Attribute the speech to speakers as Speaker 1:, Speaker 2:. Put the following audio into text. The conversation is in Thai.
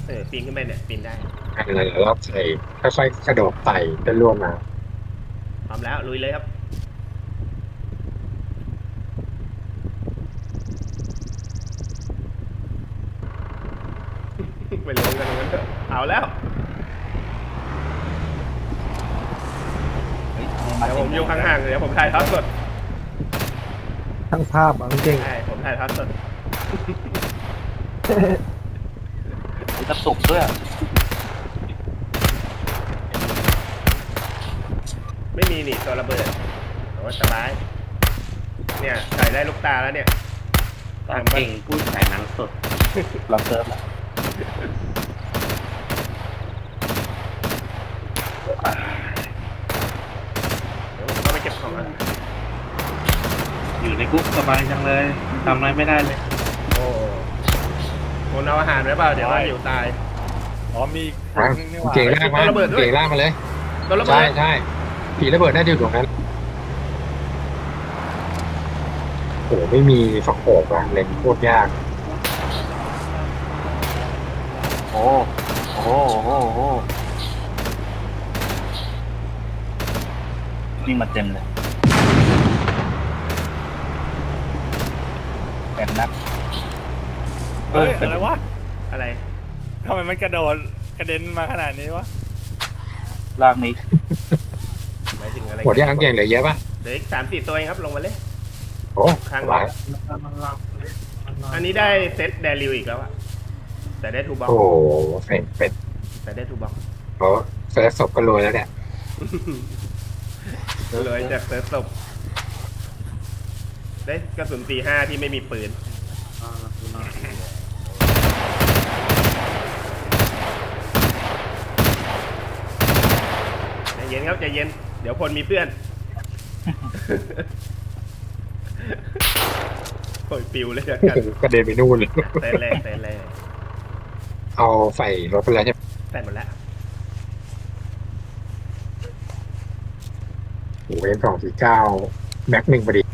Speaker 1: ปีนขึ้นไปเนี่ยปีนได้
Speaker 2: อะไรแล้วใส่ค่อยๆกระโดดไต่จนล่วงมา
Speaker 1: พร้อมแล้วลุยเลยครับไปลงกันตรงนั้นเถอะเอาแล้ว
Speaker 3: เฮ้ย
Speaker 1: เดี๋ยวผมอยู่ห่างๆเดี๋ยวผมถ่ายทอดสด
Speaker 4: ทั้งภาพเอาจริง
Speaker 1: ใช่ผมถ่ายทอดสด
Speaker 3: มีกระตุกด้วย
Speaker 1: ไม่มีนี่ตัวระเบิดโอ้สบายเนี่ยใส่ได้ลูกตาแล้วเนี่ย
Speaker 5: ตาเก่งพูดขายหนังสด
Speaker 3: เราเซิร์ฟแล้ว
Speaker 1: เดี๋ยวผมต้องไปเก็บของอ่ะ
Speaker 5: อยู่ในคุกสบายจังเลยทำอะไรไม่ได้เลย
Speaker 1: โอ้คนเอาอาหารไว้เปล่าเดี๋ยวว่าหิวตาย
Speaker 4: อ๋อมี
Speaker 2: เก่งล่ากมาเก่งล่ากมาเลย
Speaker 1: ตัวระเบิ
Speaker 2: ใช่
Speaker 1: ด
Speaker 2: ใช่ผีระเบิดน่าจะอยู่ตรงนั้นโอ้ไม่มีฝักโขกอะเล่นโคตรยาก
Speaker 3: โอ้โหนี่มาเต็มเลยแบบนัก
Speaker 4: เฮ้ยอะไรวะ
Speaker 1: อะไร
Speaker 4: ทำไมมันกระโดดกระเด็นมาขนาดนี้วะ
Speaker 3: ลากนี้
Speaker 1: หมายถึงอะไร
Speaker 2: หมดยังเก่งเหลือเยอะปะ
Speaker 1: เหลืออีก3-4ตัวเองครับลงมาเลย
Speaker 2: โอ้
Speaker 1: ข้าง
Speaker 2: หลาย
Speaker 1: อันนี้ได้เซตแดริวอีกแล้วอะแต่ได้ทูบ็อก
Speaker 2: โอ้เป็ด
Speaker 1: แต่ได้ทูบ็อก
Speaker 2: โอ้เซิร์ฟศพก็รวยแล้วเนี่ย
Speaker 1: เลยจากเซิร์ฟศพได้กระสุนตี5ที่ไม่มีปืนใจเย็นครับใจเย็นเดี๋ยวพลมีเพื่อนโอยปิวเลยกัน
Speaker 2: กระเด็นไปนู่นเลย
Speaker 1: เต้นเลย
Speaker 2: เอาใส่รถไปแล้วใช่ไหม
Speaker 1: ใส่หมดแล้ว
Speaker 2: โอ้เอ็ม249แม็ก1พอดี